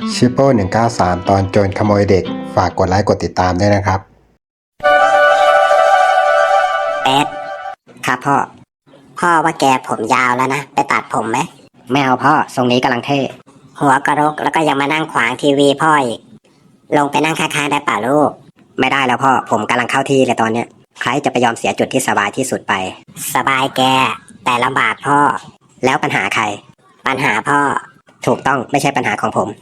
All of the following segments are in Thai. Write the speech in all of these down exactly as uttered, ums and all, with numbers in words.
ชิปโป้หนึ่งเก้าสามตอนโจรขโมยเด็กฝากกดไลค์กดติดตามด้วยนะครับเป็ดครับพ่อพ่อว่าแกผมยาวแล้วนะไปตัดผมไหมไม่เอาพ่อทรงนี้กำลังเท่หัวกระรกแล้วก็ยังมานั่งขวางทีวีพ่ออีกลงไปนั่งข้างๆได้ป่ะลูกไม่ได้แล้วพ่อผมกำลังเข้าที่เลยตอนเนี้ยใครจะไปยอมเสียจุดที่สบายที่สุดไปสบายแกแต่ลำบากพ่อแล้วปัญหาใครปัญหาพ่อถูกต้องไม่ใช่ปัญหาของผม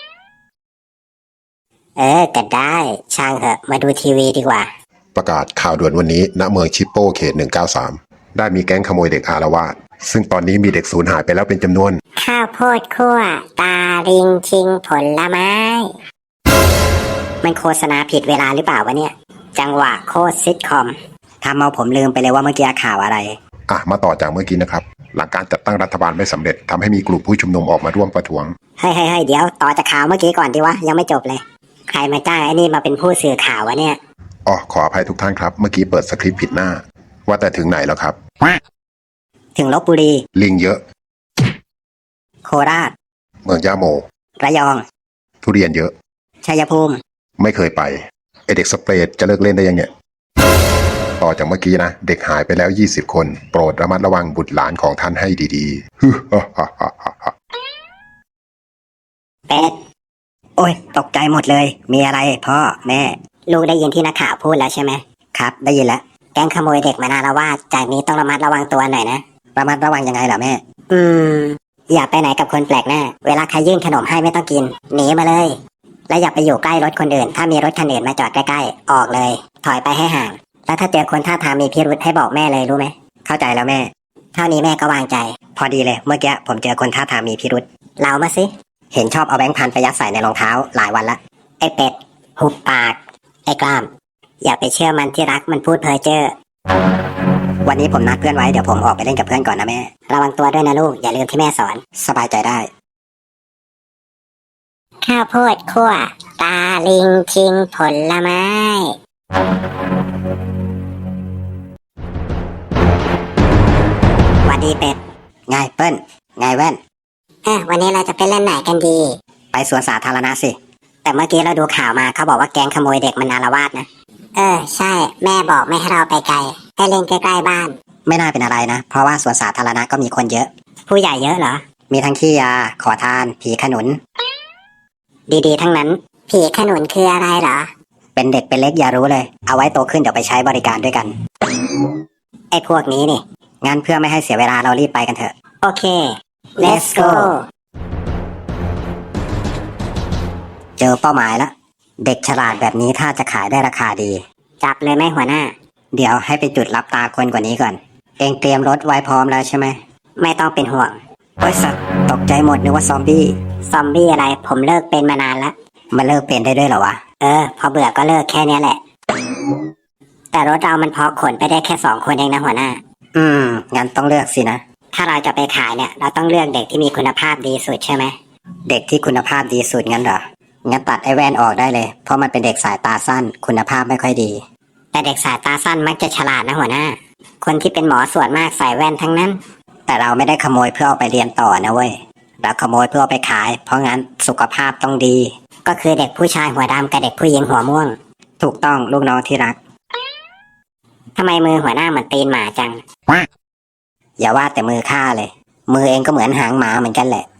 เออก็ได้ช่างเถอะมาดูทีวีดีกว่าประกาศข่าวด่วนวันนี้ณเมืองชิปโป้เขตหนึ่งเก้าสามได้มีแก๊งขโมยเด็กอาละวาดซึ่งตอนนี้มีเด็กสูญหายไปแล้วเป็นจำนวนข้าวโพดคั่วตาลิงชิงผลไม้มันโฆษณาผิดเวลาหรือเปล่าวะเนี่ยจังหวะโคตรซิทคอมทำเอาผมลืมไปเลยว่าเมื่อกี้ข่าวอะไรอ่ะมาต่อจากเมื่อกี้นะครับหลังการจัดตั้งรัฐบาลไม่สำเร็จทำให้มีกลุ่มผู้ชุมนุมออกมาร่วมประท้วงเฮ้ยเฮ้ยเดี๋ยวต่อจากข่าวเมื่อกี้ก่อนดีวะยังไม่จบเลยใครมาจ้างไอ้นี่มาเป็นผู้สื่อข่าววะเนี่ยอ๋อขออภัยทุกท่านครับเมื่อกี้เปิดสคริปต์ผิดหน้าว่าแต่ถึงไหนแล้วครับถึงลพบุรีลิงเยอะโคราชเมืองย่าโมระยองทุเรียนเยอะชัยภูมิไม่เคยไปไอเด็กสเปรดจะเลิกเล่นได้ยังเนี่ยต่อจากเมื่อกี้นะเด็กหายไปแล้วยี่สิบคนโปรดระมัดระวังบุตรหลานของท่านให้ดีๆเป็ดโอ้ยตกใจหมดเลยมีอะไรพ่อแม่ลูกได้ยินที่นักข่าวพูดแล้วใช่ไหมครับได้ยินแล้วแก๊งขโมยเด็กมานาละวาดจากนี้ต้องระมัดระวังตัวหน่อยนะระมัดระวังยังไงล่ะแม่อืมอย่าไปไหนกับคนแปลกหน้าเวลาใครยื่นขนมให้ไม่ต้องกินหนีมาเลยและอย่าไปอยู่ใกล้รถคนอื่นถ้ามีรถคันอื่นมาจอดใกล้ๆออกเลยถอยไปให้ห่างแล้วถ้าเจอคนท่าทางมีพิรุธให้บอกแม่เลยรู้ไหมเข้าใจแล้วแม่เท่านี้แม่ก็วางใจพอดีเลยเมื่อกี้ผมเจอคนท่าทางมีพิรุธเล่ามาสิเห็นชอบเอาแบงค์พันไปยัดใส่ในรองเท้าหลายวันละไอ้เป็ดหุบปากไอ้กล้ามอย่าไปเชื่อมันที่รักมันพูดเพ้อเจ้อวันนี้ผมนัดเพื่อนไว้เดี๋ยวผมออกไปเล่นกับเพื่อนก่อนนะแม่ระวังตัวด้วยนะลูกอย่าลืมที่แม่สอนสบายใจได้ข้าวโพดคั่วตาลิงชิงผลไม้หวัดดีเป็ดไงเปิ้ลไงแว่นเออวันนี้เราจะไปเล่นไหนกันดีไปสวนสาธารณะสิแต่เมื่อกี้เราดูข่าวมาเขาบอกว่าแก๊งขโมยเด็กมันอาละวาดนะเออใช่แม่บอกไม่ให้เราไปไกลให้เล่นใกล้ๆบ้านไม่น่าเป็นอะไรนะเพราะว่าสวนสาธารณะก็มีคนเยอะผู้ใหญ่เยอะเหรอมีทั้งขี้ยาขอทานผีขนุนดีๆทั้งนั้นผีขนุนคืออะไรเหรอเป็นเด็กเป็นเล็กอย่ารู้เลยเอาไว้โตขึ้นเดี๋ยวไปใช้บริการด้วยกันไอ้พวกนี้นี่งั้นเพื่อไม่ให้เสียเวลาเรารีบไปกันเถอะโอเค let's go เจอเป้าหมายแล้วเด็กฉลาดแบบนี้ถ้าจะขายได้ราคาดีจับเลยไหมหัวหน้าเดี๋ยวให้ไปจุดรับตาคนกว่านี้ก่อนเองเตรียมรถไว้พร้อมแล้วใช่ไหมไม่ต้องเป็นห่วงโอ้ยสัตว์ตกใจหมดนึกว่าซอมบี้ซอมบี้อะไรผมเลิกเป็นมานานแล้วมาเลิกเป็นได้ด้วยเหรอวะเออพอเบื่อก็เลิกแค่นี้แหละแต่รถเรามันพอขนไปได้แค่สองคนเองนะหัวหน้าอืมงั้นต้องเลือกสินะถ้าเราจะไปขายเนี่ยเราต้องเลือกเด็กที่มีคุณภาพดีสุดใช่ไหมเด็กที่คุณภาพดีสุดงั้นเหรองั้นตัดไอ้แว่นออกได้เลยเพราะมันเป็นเด็กสายตาสั้นคุณภาพไม่ค่อยดีแต่เด็กสายตาสั้นมักจะฉลาดนะหัวหน้าคนที่เป็นหมอส่วนมากใส่แว่นทั้งนั้นแต่เราไม่ได้ขโมยเพื่อเอาไปเรียนต่อนะเว้ยเราขโมยเพื่อเอาไปขายเพราะงั้นสุขภาพต้องดีก็คือเด็กผู้ชายหัวดำกับเด็กผู้หญิงหัวม่วงถูกต้องลูกน้องที่รักทำไมมือหัวหน้าเหมือนตีนหมาจังอย่าว่าแต่มือข้าเลยมือเองก็เหมือนหางหมาเหมือนกันแหละ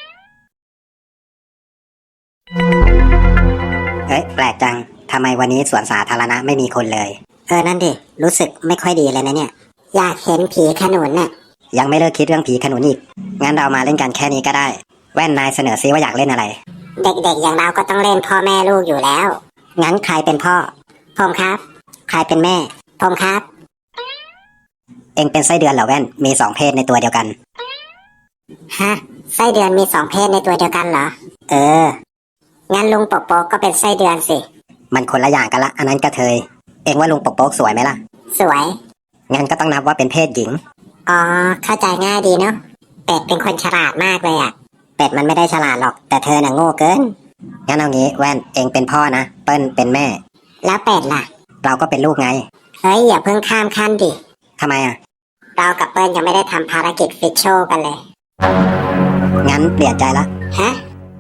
เอ้ยแปลกจังทำไมวันนี้สวนสาธารณะไม่มีคนเลยเออนั่นดิรู้สึกไม่ค่อยดีเลยนะเนี่ยอยากเห็นผีขนุนน่ะยังไม่เลิกคิดเรื่องผีขนุนอีกงั้นเรามาเล่นกันแค่นี้ก็ได้แว่นนายเสนอซิว่าอยากเล่นอะไรเด็กๆอย่างเราก็ต้องเล่นพ่อแม่ลูกอยู่แล้วงั้นใครเป็นพ่อผมครับใครเป็นแม่ผมครับเอ็งเป็นไส้เดือนเหรอแว่นมีสองเพศในตัวเดียวกันฮะไส้เดือนมีสองเพศในตัวเดียวกันเหรอเอองั้นลุงปกโป๊กก็เป็นไส้เดือนสิมันคนละอย่างกันละอันนั้นกระเทยเอ็งว่าลุงปกโป๊กสวยไหมล่ะสวยงั้นก็ต้องนับว่าเป็นเพศหญิงอ๋อเข้าใจง่ายดีเนาะเป็ดเป็นคนฉลาดมากเลยอ่ะเป็ดมันไม่ได้ฉลาดหรอกแต่เธอน่ะโง่เกินงั้นเอางี้แว่นเอ็งเป็นพ่อนะเปิ้ลเป็นแม่แล้วเป็ดล่ะเราก็เป็นลูกไงเฮ้ยอย่าเพิ่งข้ามขั้นดิทำไมอ่ะเรากับเปิ้ลยังไม่ได้ทำภารกิจฟิชโชกันเลยงั้นเปลี่ยนใจละฮะ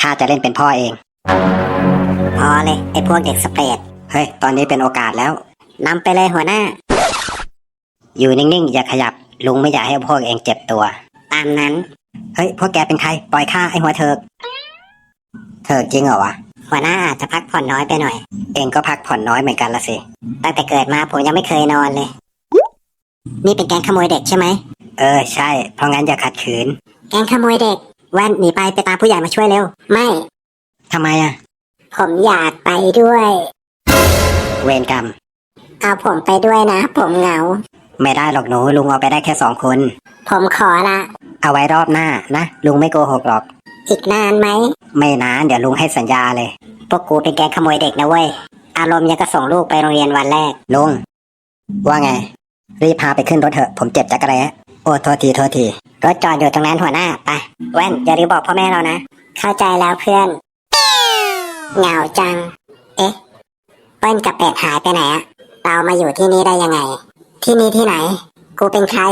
ข้าจะเล่นเป็นพ่อเอง พอเลยไอ้พวกเด็กสเปรดเฮ้ยตอนนี้เป็นโอกาสแล้วนำไปเลยหัวหน้า อยู่นิ่งๆอย่าขยับลุงไม่อยากให้พวกเองเจ็บตัว ตามนั้นเฮ้ยพวกแกเป็นใครปล่อยข้าไอ้หัวเถิกเถิกจริงเหรอวะหัวหน้าอาจจะพักผ่อนน้อยไปหน่อยเองก็พักผ่อนน้อยเหมือนกันละสิตั้งแต่เกิดมาผมยังไม่เคยนอนเลยนี่เป็นแก๊งขโมยเด็กใช่ไหมเออใช่เพราะงั้นอย่าขัดขืนแก๊งขโมยเด็กแว่นหนีไปไปตามผู้ใหญ่มาช่วยเร็วไม่ทำไมอ่ะผมอยากไปด้วย เวรกรรมเอาผมไปด้วยนะผมเหงาไม่ได้หรอกหนูลุงเอาไปได้แค่สองคนผมขอละเอาไว้รอบหน้านะลุงไม่โกหกหรอกอีกนานไหมไม่นานเดี๋ยวลุงให้สัญญาเลยพวกกูเป็นแก๊งขโมยเด็กนะเว้ยอารมณ์ยังก็ส่งลูกไปโรงเรียนวันแรกลุงว่าไงรีบพาไปขึ้นรถเถอะผมเจ็บจักรแร้โอ้โทษทีโทษทีรถจอดอยู่ตรงนั้นหัวหน้าไปแว่นอย่าลืมบอกพ่อแม่เรานะเข้าใจแล้วเพื่อนเหงาจังเอ๊ะเปิ้ลกับเป็ดหายไปไหนอะเรามาอยู่ที่นี่ได้ยังไงที่นี่ที่ไหนกูเป็นใคร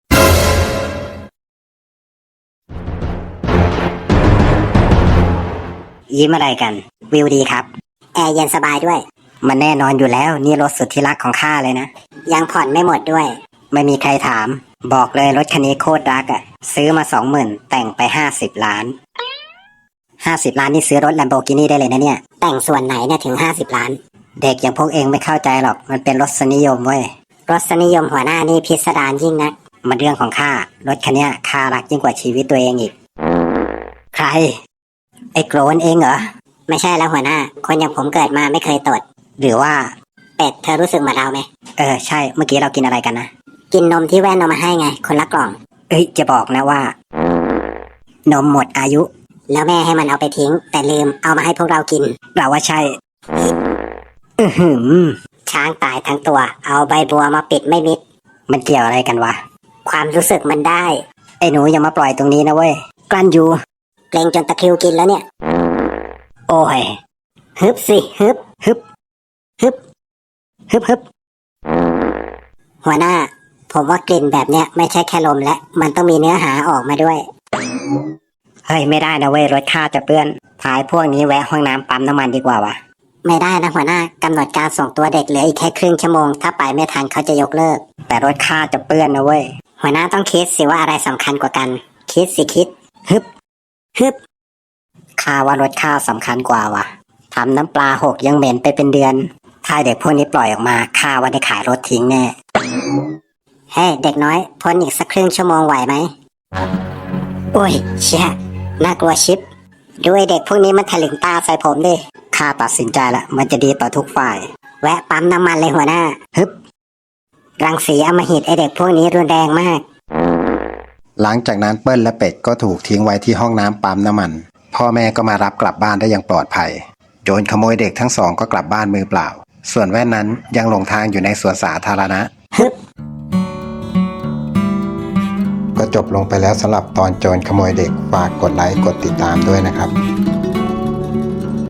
ยิ้มอะไรกันวิวดีครับแอร์เย็นสบายด้วยมันแน่นอนอยู่แล้วนี่รถสุดที่รักของข้าเลยนะยังผ่อนไม่หมดด้วยไม่มีใครถามบอกเลยรถคันนี้โคตรรักอะซื้อมาสองหมื่นแต่งไปห้าสิบล้านห้าสิบล้านนี่ซื้อรถ Lamborghini ได้เลยนะเนี่ยแต่งส่วนไหนเนี่ยถึงห้าสิบล้านเด็กอย่างพวกเองไม่เข้าใจหรอกมันเป็นรสนิยมเว้ยรสนิยมหัวหน้านี่พิสดารยิ่งนะมันเรื่องของข้ารถคันนี้ข้ารักยิ่งกว่าชีวิตตัวเองอีกใครไอ้โกรนเองเหรอไม่ใช่แล้วหัวหน้าคนอย่างผมเกิดมาไม่เคยตดหรือว่าเป็ดเธอรู้สึกเหมือนเราไหมเออใช่เมื่อกี้เรากินอะไรกันนะกินนมที่แว่นเอามาให้ไงคนละกล่องเอ้ยจะบอกนะว่านมหมดอายุแล้วแม่ให้มันเอาไปทิ้งแต่ลืมเอามาให้พวกเรากินเราว่าใช่อือหือช้างตายทั้งตัวเอาใบบัวมาปิดไม่มิดมันเกี่ยวอะไรกันวะความรู้สึกมันได้ไอ้หนูอย่ามาปล่อยตรงนี้นะเว้ยกลั้นอยู่เกรงจนตะคริวกินแล้วเนี่ยโอ้ยฮึบสิฮึบฮึบฮึบฮึบฮึบหัวหน้าผมว่ากลิ่นแบบเนี้ยไม่ใช่แค่ลมและมันต้องมีเนื้อหาออกมาด้วยเฮ้ยไม่ได้นะเว้ยรถข้าจะเปื้อนพายพวกนี้แวะห้องน้ำปั๊มน้ำมันดีกว่าวะไม่ได้นะหัวหน้ากำหนดการส่งตัวเด็กเหลืออีกแค่ครึ่งชั่วโมงถ้าไปไม่ทันเขาจะยกเลิกแต่รถข้าจะเปื้อนนะเว้ยหัวหน้าต้องคิดสิว่าอะไรสำคัญกว่ากันคิดสิคิดฮึบฮึบข้าว่ารถข้าสำคัญกว่าวะทำน้ำปลาหกยังเหม็นไปเป็นเดือนถ้าเด็กพวกนี้ปล่อยออกมาข้าว่าได้ขายรถทิ้งแน่เฮ้ hey, เด็กน้อยพ้นอีกสักครึ่งชั่วโมงไหวไหมโอ้ยเชี่ยน่ากลัวชิบด้วยเด็กพวกนี้มันถลึงตาใส่ผมดิข้าตัดสินใจละมันจะดีต่อทุกฝ่ายแวะปั๊มน้ำมันเลยหัวหน้าฮึบรังสีอำมหิตไอเด็กพวกนี้รุนแรงมากหลังจากนั้นเปิ้ลและเป็ดก็ถูกทิ้งไว้ที่ห้องน้ำปั๊มน้ำมันพ่อแม่ก็มารับกลับบ้านได้อย่างปลอดภัยโจรขโมยเด็กทั้งสองก็กลับบ้านมือเปล่าส่วนแว่นนั้นยังหลงทางอยู่ในสวนสาธารณะฮึบก็จบลงไปแล้วสำหรับตอนโจรขโมยเด็กฝากกดไลค์กดติดตามด้วยนะครับ